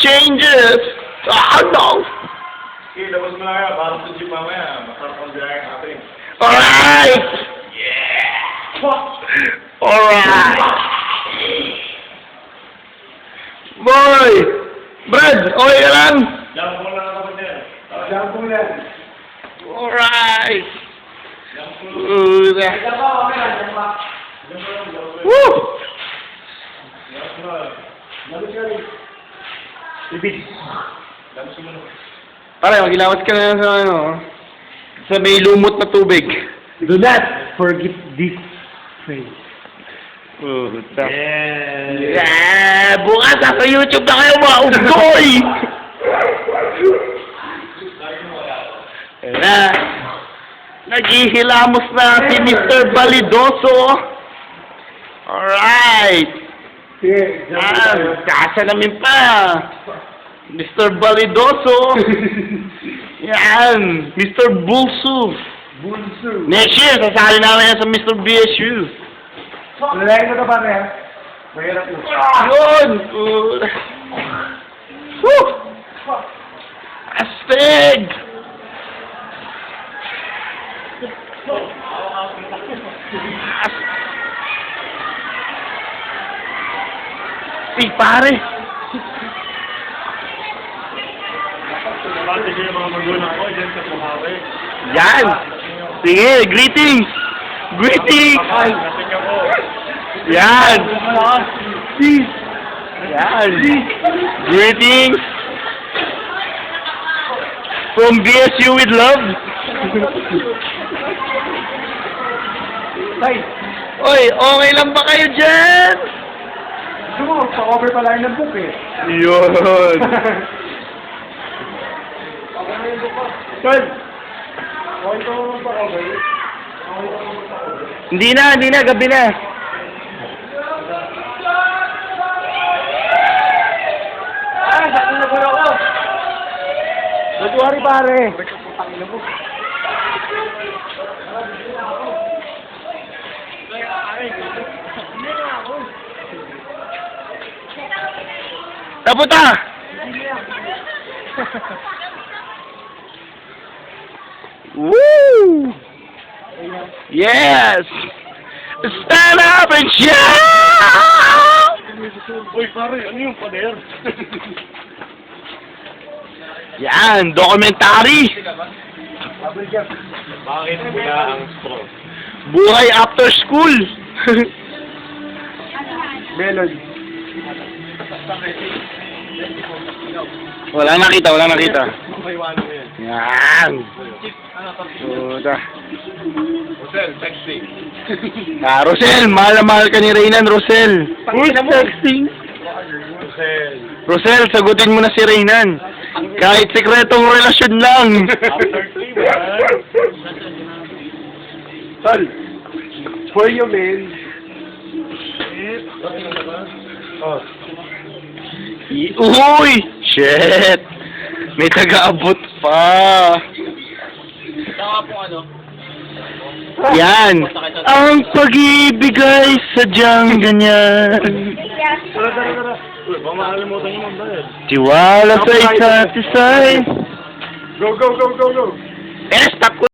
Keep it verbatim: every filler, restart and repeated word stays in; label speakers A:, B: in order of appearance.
A: changes. Oh, no.
B: Okay, labas mo lang yan. Para sa jeep mamaya. Masarap ang biyahe natin.
A: Alright.
B: Yeah!
A: Alright. Boy. Brad, okay ka lang?
B: Jump mo lang ako din. Jump mo lang.
A: Alright.
B: Jump mo lang.
A: Good.
B: Jump mo lang. Jump mo lang.
A: Woo!
B: Jump mo lang. Jump mo lang. Ibig. Jump mo lang.
A: Pare, magilawat ka na sa ano, sa may lumot na tubig.
C: Do not forget this phrase.
A: Oh,
B: Yeah!
A: yeah! Bukas sa YouTube na kayo mga unggoy! Na, naghihilamos na si Mister Balidoso. Alright!
C: Sige,
A: Ah, kasa namin pa! Mister Balidoso! Yan! Mister Bulso!
C: Bunso.
A: Next year, sasali namin yan sa Mister B S U.
C: Lalaki mo ito pare ha? Mahirap mo.
A: Yun! Uh, Woo! Astig! As... Eh, pare!
B: Pati kayo mga magulang ko dyan sa Buhari.
A: Yan! Sige, greetings! Greetings!
B: Kasing ako.
A: Yan! Peace! Yan! Greetings! From B S U with love!
C: Tay,
A: Oy, okay lang ba kayo dyan?
C: gusto mo, pa-cover pala yung book eh.
A: Yun!
C: Tol, okay ito pa-cover. Okay ito pa-cover.
A: Hindi na, hindi na, gabi na.
C: Ah, sakto na po ako. Nagwari pare.
A: Taputa! Woo! Yes! Stand up and shout!
B: Uy, pare, ano yung pader?
A: Yan, documentary!
B: Bakit bigla ang straw?
A: Buhay after school!
C: Melon.
A: Wala nakita, wala nakita.
B: May wano mo yan.
A: Yan! Puta.
B: Hotel, texting.
A: Ah, Rosel, mahal na mahal ka ni Reynan, Rosel. Who's texting?
B: Hotel.
A: Rosel, sagutin mo na si Reynan. Kahit sekretong relasyon lang.
B: After three, man.
C: Tol, for you man.
B: Oh.
A: I- Uy! Shit! May taga-abot pa.
B: Saka po ano?
A: Yan! Ang pag-ibig ay sadyang ganyan.
B: Tara, tara, tara. Uy, baka makalimutan nyo magbayad.
A: Tiwala sa isa't isa.
C: Go, go, go, go, go.
A: Eh, stop ko.